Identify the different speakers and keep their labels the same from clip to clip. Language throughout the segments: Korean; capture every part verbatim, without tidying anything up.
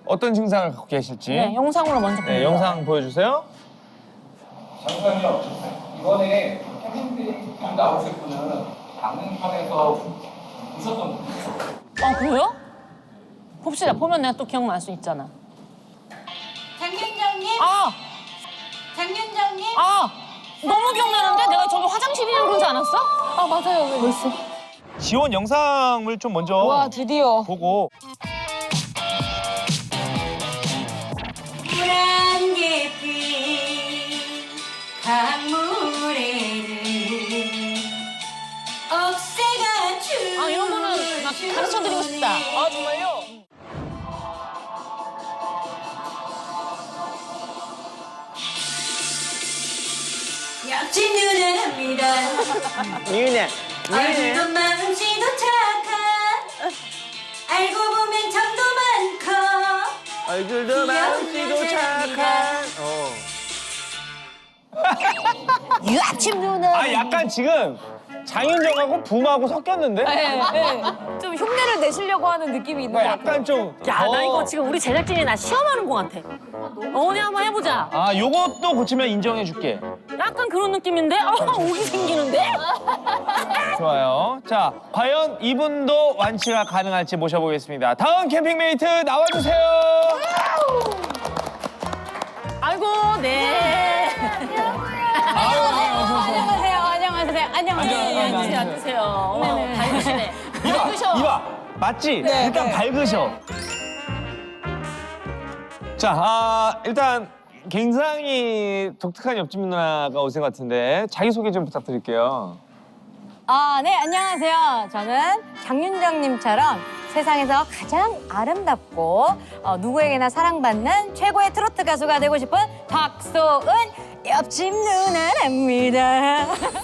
Speaker 1: 어떤 증상을 갖고 계실지.
Speaker 2: 네, 영상으로 먼저
Speaker 1: 네,
Speaker 2: 볼게요.
Speaker 1: 영상 보여주세요.
Speaker 3: 잠시만요. 이번에 캠핑 나오실 분은 강릉편에서 오셨던 분이에요.
Speaker 2: 아, 그래요? 봅시다. 보면 내가 또 기억날 수 있잖아.
Speaker 4: 장윤정님?
Speaker 2: 아!
Speaker 4: 장윤정님?
Speaker 2: 아! 너무 기억나는데? 내가 저기 화장실이라고 그러지 않았어?
Speaker 4: 아 맞아요.
Speaker 2: 벌써?
Speaker 1: 지원 영상을 좀 먼저
Speaker 4: 와 드디어.
Speaker 1: 보고.
Speaker 4: 푸른 예쁜 강물에는 억새가 춤을
Speaker 2: 아, 이런 거는 막 가르쳐드리고 싶다. 아, 정말요?
Speaker 4: 옆집 누나 합니다.
Speaker 1: 미은아,
Speaker 4: 얼굴도 마음씨도 착한 알고 보면 정도 많고
Speaker 1: 얼굴도
Speaker 4: 마음씨도 착한.
Speaker 1: 어.
Speaker 2: 유아침 누나.
Speaker 1: 아, 약간 지금 장윤정하고 붐하고 섞였는데?
Speaker 2: 네, 네.
Speaker 4: 좀 흉내를 내시려고 하는 느낌이 있는
Speaker 1: 그러니까
Speaker 4: 것 같아요.
Speaker 1: 약간 좀.
Speaker 2: 야, 나
Speaker 1: 어.
Speaker 2: 이거 지금 우리 제작진이 나 시험하는 것 같아. 어디 한번 해보자.
Speaker 1: 아, 요것도 고치면 인정해줄게.
Speaker 2: 약간 그런 느낌인데? 아, 오기 생기는데?
Speaker 1: 좋아요. 자, 과연 이분도 완치가 가능할지 모셔보겠습니다. 다음 캠핑메이트 나와주세요.
Speaker 2: 아이고, 네.
Speaker 1: 아유, 어서오세요.
Speaker 4: 안녕하세요. 안녕하세요. 안녕하세요.
Speaker 2: 네,
Speaker 1: 앉아,
Speaker 2: 앉으세요,
Speaker 1: 앉아.
Speaker 2: 앉으세요. 어머, 밝으시네.
Speaker 1: 이봐,
Speaker 2: 밝으셔.
Speaker 1: 이봐. 맞지?
Speaker 4: 네,
Speaker 1: 일단
Speaker 4: 네.
Speaker 1: 밝으셔. 자, 아, 일단 굉장히 독특한 옆집 누나가 오신 것 같은데 자기소개 좀 부탁드릴게요.
Speaker 4: 아, 네, 안녕하세요. 저는 장윤정님처럼 세상에서 가장 아름답고 어, 누구에게나 사랑받는 최고의 트로트 가수가 되고 싶은 박소은 옆집 누나랍니다.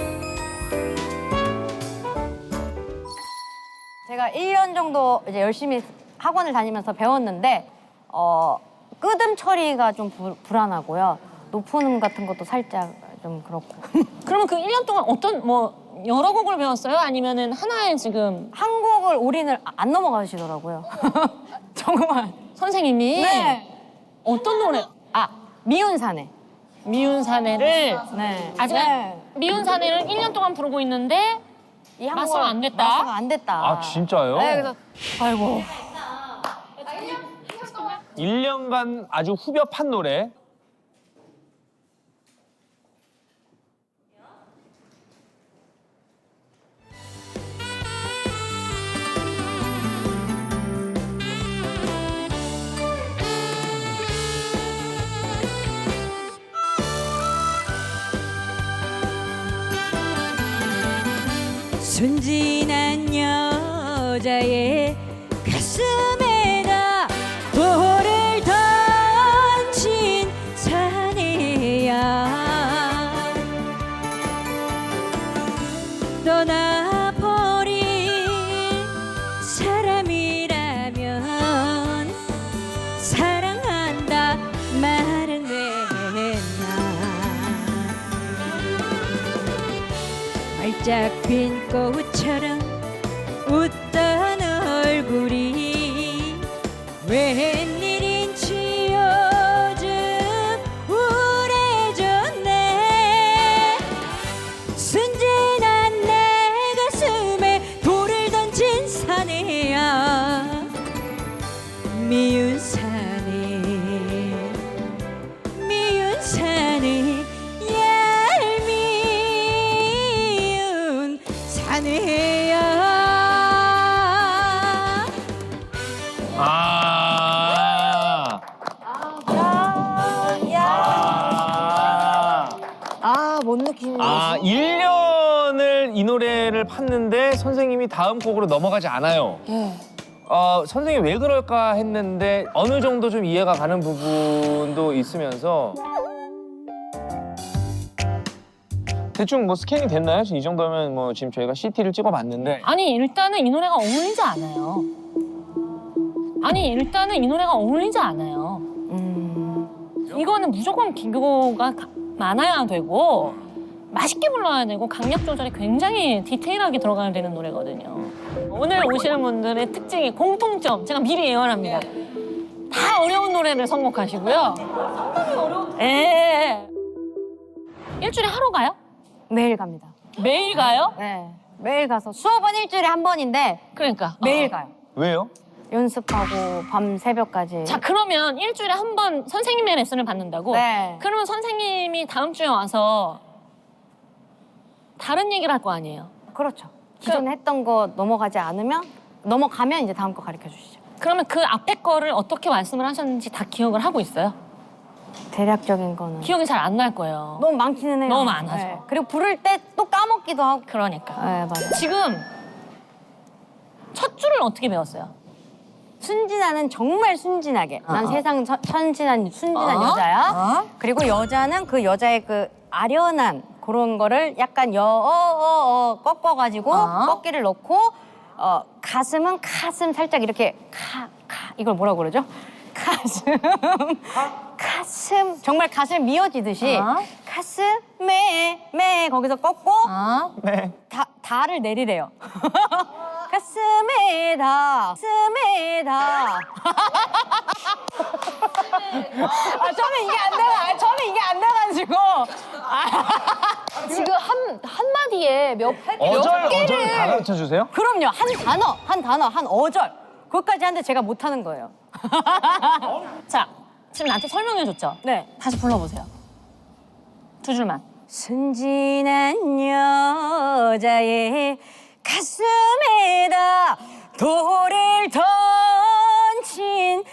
Speaker 4: 제가 일 년 정도 이제 열심히 학원을 다니면서 배웠는데 어, 끄듬 처리가 좀 불, 불안하고요. 높은 음 같은 것도 살짝 좀 그렇고.
Speaker 2: 그러면 그 일 년 동안 어떤, 뭐, 여러 곡을 배웠어요? 아니면은 하나에 지금
Speaker 4: 한 곡을 올인을 안 넘어가시더라고요. 정말.
Speaker 2: 선생님이
Speaker 4: 네.
Speaker 2: 어떤 노래?
Speaker 4: 아, 미운 사내.
Speaker 2: 미운 사내를
Speaker 4: 네.
Speaker 2: 아직
Speaker 4: 네.
Speaker 2: 미운 사내를 일 년 동안 부르고 있는데
Speaker 4: 이 한
Speaker 2: 마스터가
Speaker 4: 곡을-
Speaker 2: 안 됐다?
Speaker 4: 마스터가 안 됐다.
Speaker 1: 아, 진짜요?
Speaker 4: 네, 그래서
Speaker 2: 아이고.
Speaker 1: 일 년간 아주 후벼 판 노래.
Speaker 4: 순진한 여자의 가슴에다 돌을 던진 사내야 떠나버린 사람이라면 사랑한다 말은 왜 했나 활짝 핀 꽃처럼 웃던 얼굴이 웬일인지 요즘 우울해졌네 순진한 내 가슴에 돌을 던진 사내야 미운 사내 미운 사내 얄미운 사내야
Speaker 1: 아. 아.
Speaker 4: 아, 뭔 느낌이지?
Speaker 1: 아, 일 년을 이 노래를 팠는데 선생님이 다음 곡으로 넘어가지 않아요.
Speaker 4: 예.
Speaker 1: 어, 선생님이 왜 그럴까 했는데 어느 정도 좀 이해가 가는 부분도 있으면서 대충 뭐 스캔이 됐나요? 이 정도면 뭐 지금 저희가 씨티를 찍어봤는데
Speaker 2: 아니, 일단은 이 노래가 어울리지 않아요. 아니, 일단은 이 노래가 어울리지 않아요.
Speaker 4: 음.
Speaker 2: 이거는 무조건 기교가 가- 많아야 되고 맛있게 불러야 되고 강약 조절이 굉장히 디테일하게 들어가야 되는 노래거든요. 오늘 오시는 분들의 특징이 공통점, 제가 미리 예언합니다. 다 어려운 노래를 선곡하시고요. 예. 일주일에 하루 가요?
Speaker 4: 매일 갑니다.
Speaker 2: 매일 가요?
Speaker 4: 네. 매일 가서 수업은 일주일에 한 번인데
Speaker 2: 그러니까
Speaker 4: 매일
Speaker 2: 어.
Speaker 4: 가요.
Speaker 1: 왜요?
Speaker 4: 연습하고 밤 새벽까지.
Speaker 2: 자 그러면 일주일에 한 번 선생님의 레슨을 받는다고?
Speaker 4: 네.
Speaker 2: 그러면 선생님이 다음 주에 와서 다른 얘기를 할 거 아니에요?
Speaker 4: 그렇죠. 기존에 했던 거 넘어가지 않으면 넘어가면 이제 다음 거 가르쳐 주시죠.
Speaker 2: 그러면 그 앞에 거를 어떻게 말씀을 하셨는지 다 기억을 하고 있어요?
Speaker 4: 대략적인 거는
Speaker 2: 기억이 잘 안 날 거예요.
Speaker 4: 너무 많기는 해요.
Speaker 2: 너무 많아서.
Speaker 4: 그리고 부를 때 또 까먹기도 하고.
Speaker 2: 그러니까.
Speaker 4: 네, 맞아요.
Speaker 2: 지금 첫 줄을 어떻게 배웠어요?
Speaker 4: 순진아는 정말 순진하게. 난
Speaker 2: 어.
Speaker 4: 세상 천- 천진한 순진한
Speaker 2: 어?
Speaker 4: 여자야.
Speaker 2: 어?
Speaker 4: 그리고 여자는 그 여자의 그 아련한 그런 거를 약간 여, 어, 어, 어, 꺾어가지고
Speaker 2: 어?
Speaker 4: 꺾기를 넣고 어, 가슴은 가슴 살짝 이렇게 카, 카 이걸 뭐라고 그러죠? 가슴 가슴 정말 가슴 미어지듯이
Speaker 2: 어?
Speaker 4: 가슴에 매 거기서 꺾고
Speaker 2: 어?
Speaker 1: 네.
Speaker 4: 다, 다를 내리래요. 가슴에 다, 가슴에 다. 아, 저는 이게 안 나가, 아, 저는 이게 안 나가지고.
Speaker 5: 지금 한 한마디에 몇,
Speaker 1: 어절
Speaker 5: 몇 개를
Speaker 1: 어절 다 가르쳐 주세요?
Speaker 4: 그럼요, 한 단어, 한 단어, 한 어절. 그것까지 하는데 제가 못하는 거예요.
Speaker 2: 자, 지금 나한테 설명해줬죠?
Speaker 4: 네.
Speaker 2: 다시 불러보세요. 두 줄만.
Speaker 4: 순진한 여자의 가슴에다 돌을 던진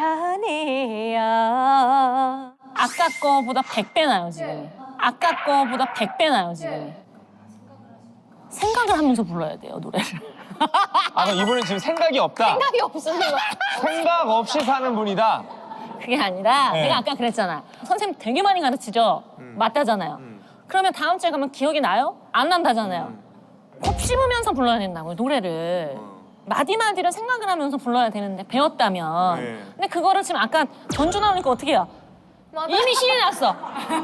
Speaker 4: 사내야.
Speaker 2: 아까 거보다 백 배 나요, 지금. 아까 거보다 백 배 나요, 지금. 생각을 하면서 불러야 돼요, 노래를.
Speaker 1: 아, 그럼 이분은 지금 생각이 없다.
Speaker 5: 생각이 없습니다.
Speaker 1: 생각 없이 사는 분이다.
Speaker 2: 그게 아니라
Speaker 1: 네.
Speaker 2: 내가 아까 그랬잖아. 선생님 되게 많이 가르치죠? 맞다잖아요. 그러면 다음 주에 가면 기억이 나요? 안 난다잖아요. 콕 씹으면서 불러야 된다고요, 노래를. 마디마디를 생각을 하면서 불러야 되는데 배웠다면.
Speaker 1: 네.
Speaker 2: 근데 그거를 지금 아까 전주 나오니까 어떻게 해요? 이미 신이 났어.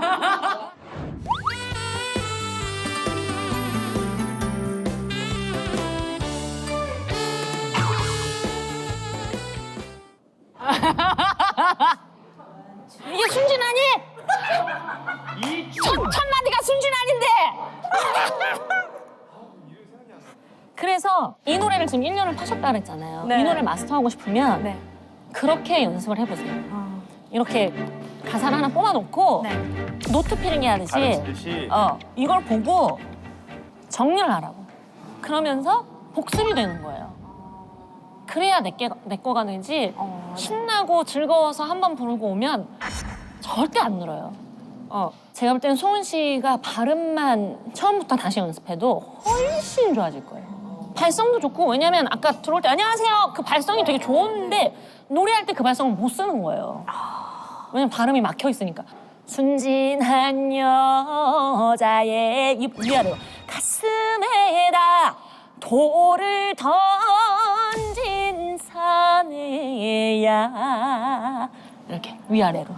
Speaker 2: 이게 순진하니? 첫, 첫 마디가 순진하는데. 그래서 이 노래를 지금 일 년을 파셨다 그랬잖아요.
Speaker 4: 네.
Speaker 2: 이 노래를 마스터하고 싶으면
Speaker 4: 네.
Speaker 2: 그렇게 연습을 해보세요.
Speaker 4: 어.
Speaker 2: 이렇게 가사를 하나 뽑아놓고
Speaker 4: 네.
Speaker 2: 노트 필링 하듯이
Speaker 1: 가르치듯이.
Speaker 2: 어, 이걸 보고 정리를 하라고. 그러면서 복습이 되는 거예요. 그래야 내, 게, 내 거가 되지
Speaker 4: 어,
Speaker 2: 신나고 즐거워서 한 번 부르고 오면 절대 안 늘어요. 어, 제가 볼 때는 소은 씨가 발음만 처음부터 다시 연습해도 훨씬 좋아질 거예요. 발성도 좋고 왜냐면 아까 들어올 때 안녕하세요 그 발성이 되게 좋은데 노래할 때 그 발성을 못 쓰는 거예요. 왜냐면 발음이 막혀 있으니까. 순진한 여자의 이 위아래로 가슴에다 돌을 던진 사내야 이렇게 위아래로.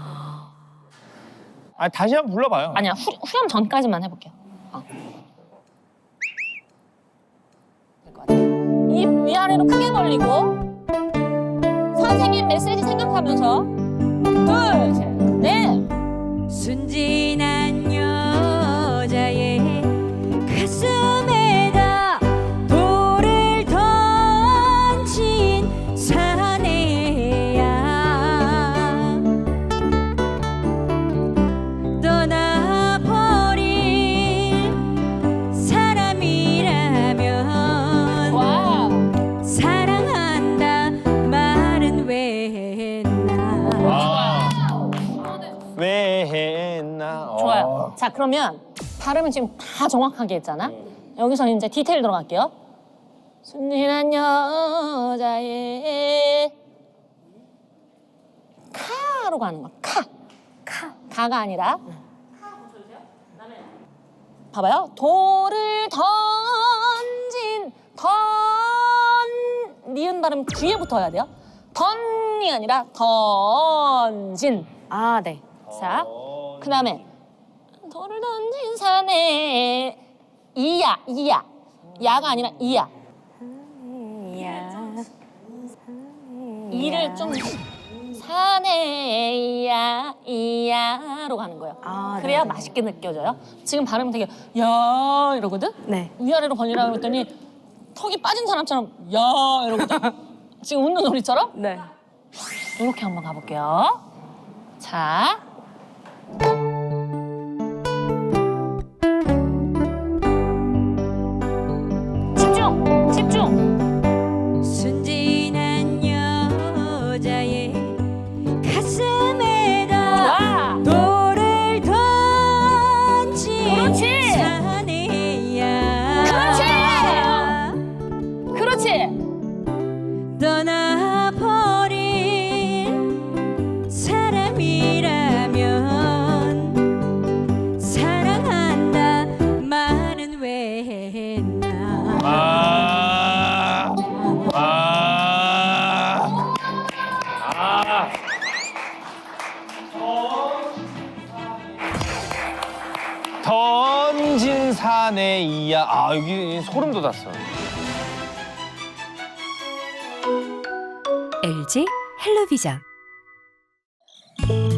Speaker 1: 아, 다시 한번 불러봐요.
Speaker 2: 아니야 후, 후렴 전까지만 해볼게요. 어. 될 것 같아. 입 위아래로 크게 벌리고 선생님 메시지 생각하면서 둘, 셋, 넷.
Speaker 4: 순진한 여자의 가슴에다 돌을 던진 사내야. 떠나버린 사람이라면
Speaker 2: 와.
Speaker 4: 사랑한다 말은 왜 했나.
Speaker 1: 와. 왜 했나?
Speaker 2: 좋아요.
Speaker 1: 어.
Speaker 2: 자 그러면 발음은 지금 다 정확하게 했잖아. 여기서 이제 디테일 들어갈게요. 순진한 여자의 카로 가는 거. 카. 카. 가가 아니라. 봐봐요. 돌을 던진 던 니은 발음 뒤에 붙어야 돼요. 던이 아니라 던진.
Speaker 4: 아, 네.
Speaker 2: 자, 그 다음에 돌을 던진 산에 이야, 이야. 야가 아니라 이야.
Speaker 4: 야.
Speaker 2: 이를 좀 산에 이야 이야로 가는 거예요.
Speaker 4: 아,
Speaker 2: 그래야
Speaker 4: 네.
Speaker 2: 맛있게 느껴져요. 지금 발음이 되게 야 이러거든.
Speaker 4: 네.
Speaker 2: 위아래로 벌리라고 했더니 턱이 빠진 사람처럼 야 이러거든. 지금 웃는 소리처럼.
Speaker 4: 네.
Speaker 2: 이렇게 한번 가볼게요. 자. 집중! 집중!
Speaker 6: 순진한 여자의 가슴에다
Speaker 2: 와!
Speaker 6: 돌을 던진
Speaker 2: 그렇지!
Speaker 6: 사내야
Speaker 2: 그렇지! 그렇지!
Speaker 6: 떠나버린 사람이라면 사랑한다 말은 왜 했나.
Speaker 1: 아, 아, 아. 던진 산에 이야. 아, 여기 소름 돋았어.
Speaker 7: 엘지 헬로비전